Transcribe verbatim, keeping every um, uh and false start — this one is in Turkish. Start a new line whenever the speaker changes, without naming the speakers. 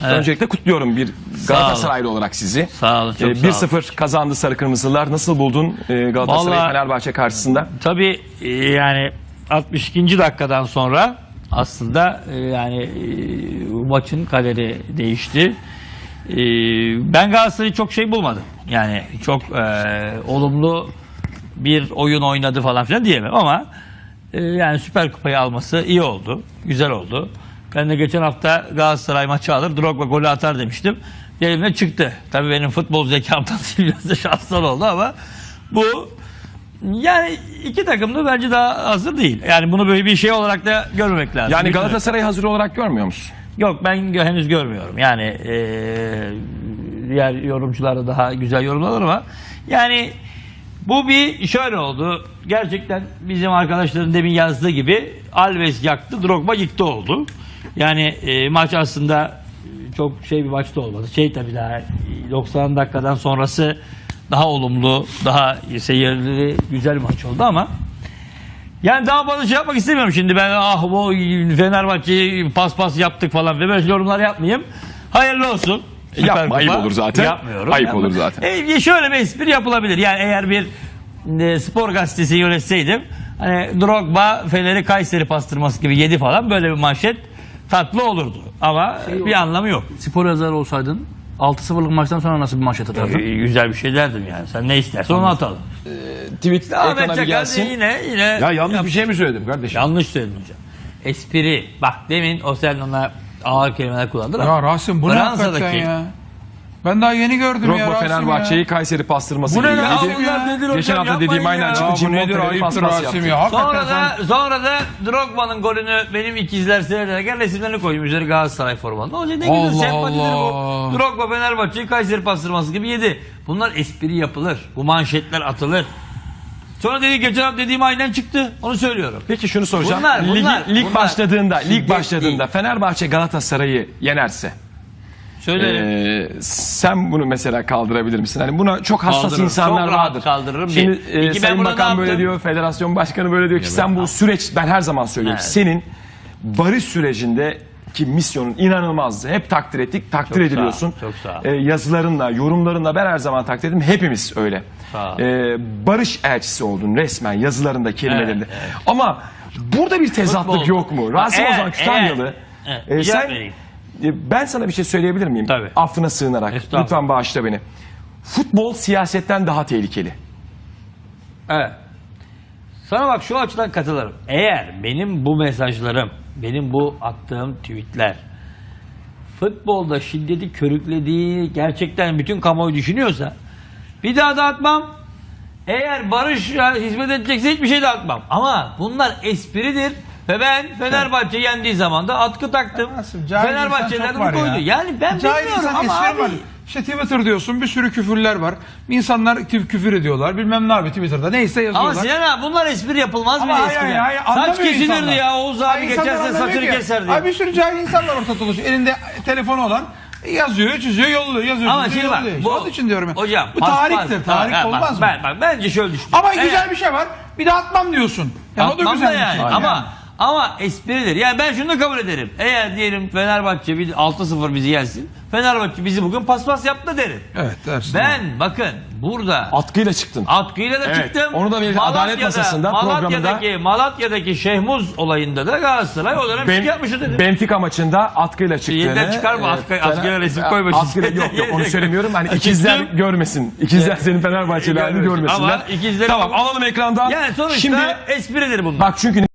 Evet.
Öncelikle kutluyorum bir Galatasaraylı olarak sizi.
Sağ olun, çok
Ee,
sağ
bir
olun.
sıfır kazandı Sarı Kırmızılar. Nasıl buldun e, Galatasaray
Vallahi-
Fenerbahçe karşısında?
Tabii e, yani altmış ikinci dakikadan sonra aslında e, yani e, maçın kaderi değişti. E, ben Galatasaray'ı çok şey bulmadım. Yani çok e, olumlu bir oyun oynadı falan filan diyemem ama e, yani Süper Kupayı alması iyi oldu. Güzel oldu. Ben de geçen hafta Galatasaray maçı alır, Drogba golü atar demiştim. Elimde çıktı. Tabii benim futbol zekamdan biraz da şanslar oldu ama bu yani iki takım da bence daha hazır değil. Yani bunu böyle bir şey olarak da görmemek lazım.
Yani
Bütün-
Galatasaray'ı hazır olarak görmüyor musun?
Yok, ben gö- henüz görmüyorum. Yani eee diğer yorumcular da daha güzel yorumlar ama yani bu bir şöyle oldu. Gerçekten bizim arkadaşların demin yazdığı gibi Alves yaktı, Drogba yıktı oldu. Yani eee, maç aslında çok şey bir maçta olmadı. Şey tabii daha doksan dakikadan sonrası daha olumlu, daha seyirli, güzel bir maç oldu ama yani daha fazla şey yapmak istemiyorum şimdi. Ben ah bu Fenerbahçe'yi pas pas yaptık falan ve böyle yorumlar yapmayayım. Hayırlı olsun. Süper
Yapma,
Kupa.
ayıp olur zaten.
Yapmıyorum.
Ayıp
Yapma.
olur zaten.
E, şöyle bir espri yapılabilir. Yani eğer bir e, spor gazetesi yönetseydim hani Drogba Fener'i Kayseri pastırması gibi yedi falan, böyle bir manşet tatlı olurdu. Ama
Şey
bir anlamı yok.
Spor yazarı olsaydın altı sıfırlık maçtan sonra nasıl bir manşet atardın?
E, güzel bir şey derdim yani. Sen ne istersen onu atalım.
Tweet
Ahmet
ekrana bir
Çakar
gelsin.
yine yine
Ya yanlış bir şey mi söyledim kardeşim?
yanlış söyledin hocam. Espri. Bak demin o sen ona ağır kelimeler kullandın
Ya
ama
Rasim bu ne hakikaten ya? Ben daha yeni gördüm ya
Drogba
Rasim
Fenerbahçe'yi
ya.
Kayseri pastırması
Bu ne
gibi
ya?
yedi.
Bunlar
nedir hocam?
Geçen hafta
Yapmayın
dediğim aynen
ya.
çıktı.
Ya bu
Cimbom
nedir
Fener'i
ayıptır
paspas
Rasim
yaptı.
ya. Hakikaten
Sonra
sen...
da, sonra da Drogba'nın golünü benim ikizler seyrederken resimlerini koyayım üzeri Galatasaray formalı. O ne güzel
Allah
sempatidir
Allah.
bu. Drogba Fenerbahçe'yi Kayseri pastırması gibi yedi. Bunlar espri yapılır. Bu manşetler atılır. Sonra dedi geçen hafta dediğim aynen çıktı. Onu söylüyorum.
Peki şunu soracağım.
Bunlar,
Ligi-
bunlar,
lig
bunlar.
başladığında, lig
Şiddet
başladığında
değil.
Fenerbahçe Galatasaray'ı yenerse
Söylerim.
Ee, sen bunu mesela kaldırabilir misin? Hani buna çok hassas
Kaldırırım.
insanlar
Çok rahat
vardır.
kaldırırım.
Şimdi
Bir.
e,
İki, ben
Sayın
burada
Bakan
ne
böyle
yaptım?
diyor, Federasyon Başkanı böyle diyor ki sen bu süreç, ben her zaman söylüyorum,
Evet.
senin barış sürecindeki misyonun inanılmazdı. Hep takdir ettik, takdir
Çok sağ ol,
ediliyorsun.
çok sağ ol.
Ee, yazılarınla, yorumlarınla ben her zaman takdir ettim. Hepimiz öyle.
Sağ ol.
Ee, barış elçisi oldun resmen yazılarında, kelimelerinde.
Evet, evet.
Ama burada bir tezatlık
Futbol.
yok mu? Rasim
Eğer-
Ozan Kütahyalı.
eğer-
e,
Evet, cevap
sen
vereyim.
e, ben sana bir şey söyleyebilir miyim?
Tabii.
Affına sığınarak.
Estağfurullah.
Lütfen bağışla beni. Futbol siyasetten daha tehlikeli.
Evet. Sana bak şu açıdan katılırım. Eğer benim bu mesajlarım, benim bu attığım tweetler futbolda şiddeti körüklediği gerçekten bütün kamuoyu düşünüyorsa bir daha da atmam. Eğer barışa hizmet edecekse hiçbir şey de atmam. Ama bunlar espridir ve ben Fenerbahçe yendiği zaman da atkı taktım.
Nasıl? Cahil
Fenerbahçe'den
insan çok
bunu
var
koydu.
ya.
Yani ben
Cahil
bilmiyorum
insan
ama
espri
abi.
var. İşte Twitter diyorsun, bir sürü küfürler var. İnsanlar kü- küfür ediyorlar. Bilmem ne abi Twitter'da. Neyse yazıyorlar.
Ama Sinan abi bunlar espri yapılmaz
Ama
mıydı
hayır,
eskiden?
hayır, hayır,
Saç
anlamıyor
kesilirdi
insanlar.
ya, Oğuz abi
Hayır, insanlar
geçerse
anlamıyor
saçını
ki.
keserdi.
Abi bir sürü cahil insanlar ortada dolaşıyor. Elinde telefonu olan yazıyor, çiziyor, yolluyor, yazıyor,
Ama
çiziyor,
şimdi bak,
yolluyor.
bu,
Onun için diyorum ya.
hocam,
bu
pas,
tarihtir.
pas,
Tarih
bak,
olmaz
bak,
mı?
Ben, bak, bence şöyle düşün.
Ama
Eğer-
güzel bir şey var. Bir de atmam diyorsun. Yani o da
Atmam
güzel
da
bir
yani.
şey.
Ama ama espridir. Yani ben şunu da kabul ederim. Eğer diyelim Fenerbahçe bir altı sıfır bizi yensin. Fenerbahçe bizi bugün paspas yaptı derim.
Evet dersin.
Ben bakın burada
Atkıyla çıktın.
atkıyla da
Evet,
çıktım.
onu da bir Adalet Masası'nda,
Malatya'daki, Malatya'daki Şehmuz olayında da Galatasaray o dönem
Ben,
şike yapmıştı dedim.
Benfica maçında atkıyla çıktığını.
Yeniden çıkarma, atkı-
Fener-
atkıyla resim koyma.
Atkıyla yok yok onu söylemiyorum. Hani
Çıktım.
ikizler görmesin. İkizler senin Fenerbahçelilerini
Görmesin.
görmesinler.
Ama ikizleri-
Tamam alalım ekrandan.
Yani sonuçta
Şimdi
espridir bunlar.
bak çünkü